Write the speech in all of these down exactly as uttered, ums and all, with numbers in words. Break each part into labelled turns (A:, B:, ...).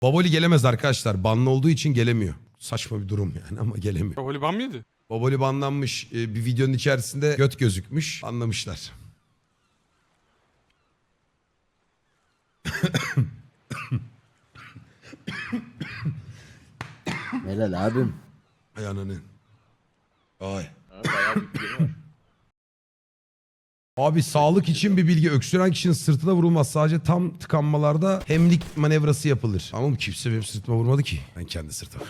A: Baboli gelemez arkadaşlar. Banlı olduğu için gelemiyor. Saçma bir durum yani ama gelemiyor.
B: Baboli ban mı yedi?
A: Baboli banlanmış. Ee, bir videonun içerisinde göt gözükmüş. Anlamışlar.
C: Helal abim.
A: Ay ananı. Ay.
D: Ha, bayağı bir biri var.
A: Abi sağlık için bir bilgi. Öksüren kişinin sırtına vurulmaz. Sadece tam tıkanmalarda hemlik manevrası yapılır. Ama kimse benim sırtıma vurmadı ki. Ben kendi sırtıma.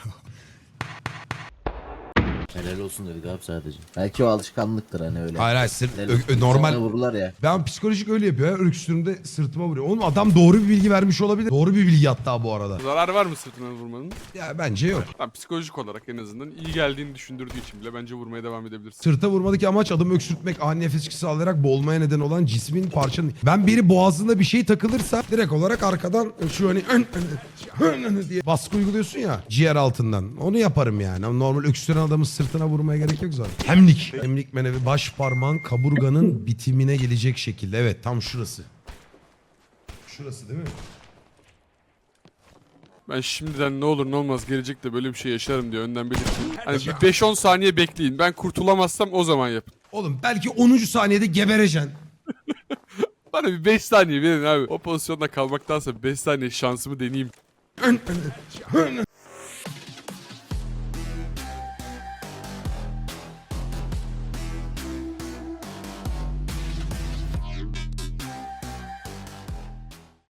C: Helal olsun dedik abi sadece. Belki o alışkanlıktır hani öyle.
A: Hayır hayır sırt,
C: Helal
A: ö-
C: olsun.
A: ö- normal.
C: Sana vururlar ya.
A: Ben psikolojik öyle yapıyor ya. Öksürüğümde sırtıma vuruyor. Oğlum adam doğru bir bilgi vermiş olabilir. Doğru bir bilgi hatta bu arada.
B: Zararı var mı sırtından vurmanın?
A: Ya bence yok.
B: Tamam, psikolojik olarak en azından iyi geldiğini düşündürdüğü için bile bence vurmaya devam edebilirsin.
A: Sırta vurmadaki amaç adamı öksürtmek, ani nefes çıkısı alarak boğulmaya neden olan cismin parçanın... Ben biri boğazında bir şey takılırsa direkt olarak arkadan şu hani ön, ön, ön diye baskı uyguluyorsun ya ciğer altından. Onu yaparım yani. Ama normal öksüren adamın sırtına vurmaya gerek yok zaten. Hemlik. Hemlik menevi baş parmağın kaburganın bitimine gelecek şekilde. Evet tam şurası. Şurası değil mi?
B: Ben şimdiden ne olur ne olmaz gelecekte böyle bir şey yaşarım diye önden belirteyim. Hani bir beş on saniye bekleyin. Ben kurtulamazsam o zaman yapın.
A: Oğlum belki onuncu saniyede gebereceksin.
B: Bana bir beş saniye verin abi. O pozisyonda kalmaktansa beş saniye şansımı deneyeyim.
A: Ön, ön, ön.